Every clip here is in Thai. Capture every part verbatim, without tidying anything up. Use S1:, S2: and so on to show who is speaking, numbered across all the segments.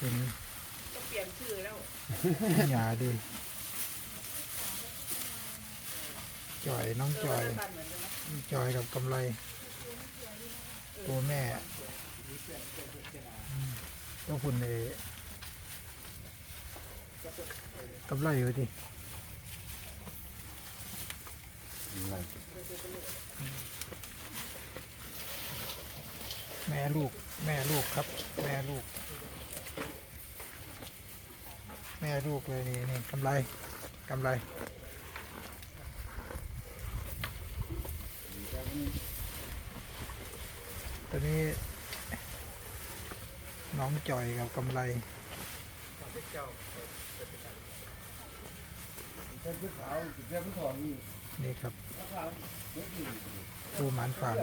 S1: ตัวนี้
S2: ก็เปลี่ยนชื่อแล้ว
S1: หยาดีจอยน้องจอยจอยกับกำไรตัวแม่ต้องคุณเอกำไรอยู่ดิแม่ลูกแม่ลูกครับแม่ลูกแม่ลูกเลยนี่นี่กำไรกำไรตัวนี้น้องจอยกับกำไรนี่ครับตัวหมันฟาร์ม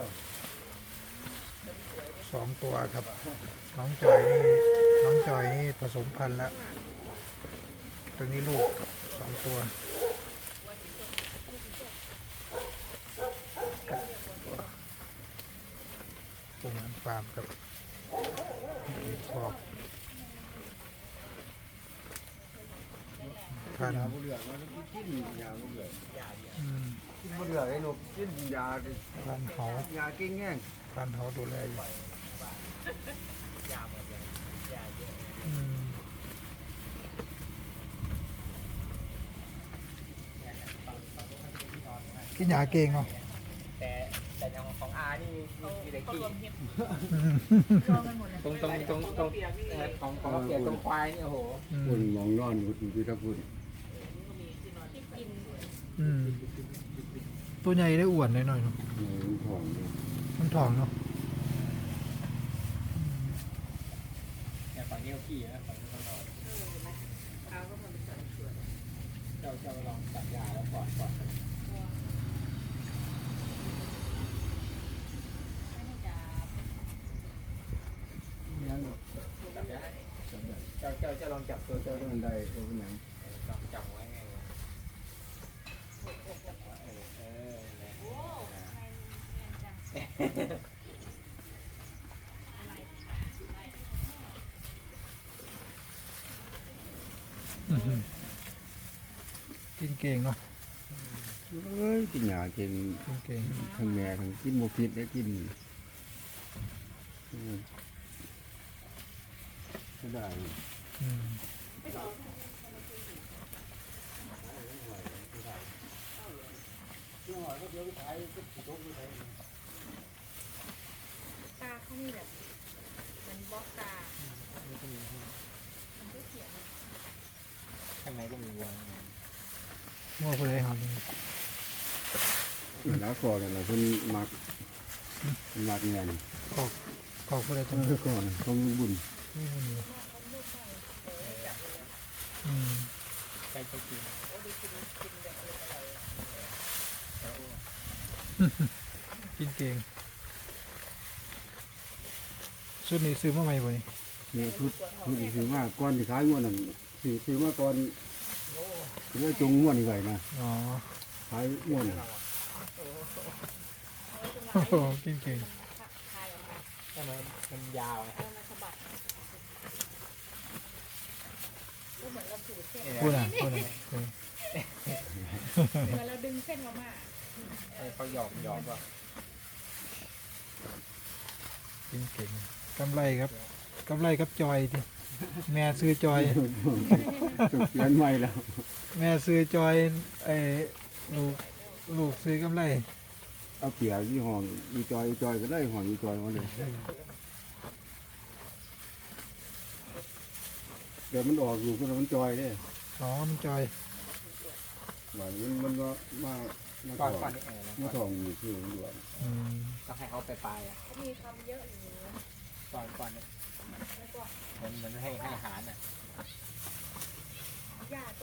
S1: สองตัวครับน้องจอยนี่น้องจอยนี่ผสมพันธุ์แล้วตัวนี้ลูกสองตัวตัวหมันฟาร์มกับขอบพันธุ์อืม
S3: ไม่เหลือไอ้หนูกินยาดิ
S1: พันธุ์เขา
S3: ยาเก่งแง่ง
S1: พันธุ์เขาดูแลอยู่อืมกินยาเก่งเนาะ
S4: แต่แต่อย่างของอานี่มีแต่
S2: เขา
S4: ขี้
S2: รวมเห็ด
S1: อืม
S2: รวมกันหมดเลย
S4: ตรงตรงตรงตรงเอ่อของของเกียรตรงควายนี่โอ้โห
S1: อื
S3: คุณ
S1: ม
S3: มองนอนคุณพี่ทักคุณ
S2: ที่กิน
S1: อืมตัวใหญ่ได้อ้วนหน่อยๆเนาะ
S3: ของ
S1: มันทองเนาะ
S4: เนี่ยฝั่งนี้เขาขี้นะฝั่งนี้เขานอน
S2: เท้าก็มันเป็นสันส่วน
S4: เจ้าเจ้าลองตัดยาแล้วก่อนก่อน
S3: ยัง
S4: จับได้เจ้าเจ้าเจ้าลองจับตัวเจ้า
S3: เจ้ามันได้ตัวเป็นยัง
S4: จับจับไว้ไงวะเออเออเนี่ย
S1: อื้อหือกินเก่งเนาะ
S3: เอ้ยกินยาเก่ง
S1: กินเก่ง
S3: ทั้งแม่ทั้งกินโมฟิตได้กินก็ได้
S1: อืม
S2: ตาเขานี่แบบมันบล็อกตา
S4: ข้างในก็มีวัว
S1: มั่วไปเลยครับ
S3: แล้วก่อนเราเพิ่นมักมักเงิน
S1: ขอบขอบไปเลยตรง
S3: เมื่
S1: นี้
S3: อก่อนต้องบุญ
S1: นี่มันอยู่อืม
S4: ใกล้จะกิน
S1: กินเก่งชุดนี้ซื้อมาใหม่บ่นี่
S3: เนี่ยชุดชุดนี้ซื้อมาก่อนที่ขายงวดนั่นซื้อซื้อมาก่อนเรื่องจงงวดนี่ไว้นะ
S1: อ๋อ
S3: ขายงวด
S1: โอ้โหกินเก่ง
S2: คายออกมา
S4: ทำไมมันยาวไง
S2: เออมันสะบัดก็เหมือนเราสูดเส้น
S1: พูดอ่ะพูดอ่ะเออ
S2: เหมือนเราดึงเส้นมาม่า
S4: เออเขาหยอกหยอกว่า
S1: กินเก่งกำไรครับกำไรครับจอยดิแม่ซื้อจอย
S3: สุดเดือนใหม่แล้ว
S1: แม่ซื้อจอยไอ้ลูกลูกซื้อกำไร
S3: เอาเปียกที่ห้องอีจอยอีจอยก็ได้ห้องอีจอยมาเลยเดี๋ยวมันออกอยู่ก็มันจอยได้
S1: อ๋อมันจอย
S3: หวานมันมันก็มามา
S4: ก่อน
S3: ถอ
S4: ก่อน
S3: ง
S4: นี่เออ
S3: มาถองอยู่ที่มันด่วน
S1: อืม
S4: ต้องให้เขาไปปลายอ่ะ
S2: เขามีคำเยอะอยู่
S4: ก่อนก่อนเนี่ย
S2: แล้วก็
S4: เหมือนเหมือนให้ให้อาหารอ่ะ
S2: ญาติ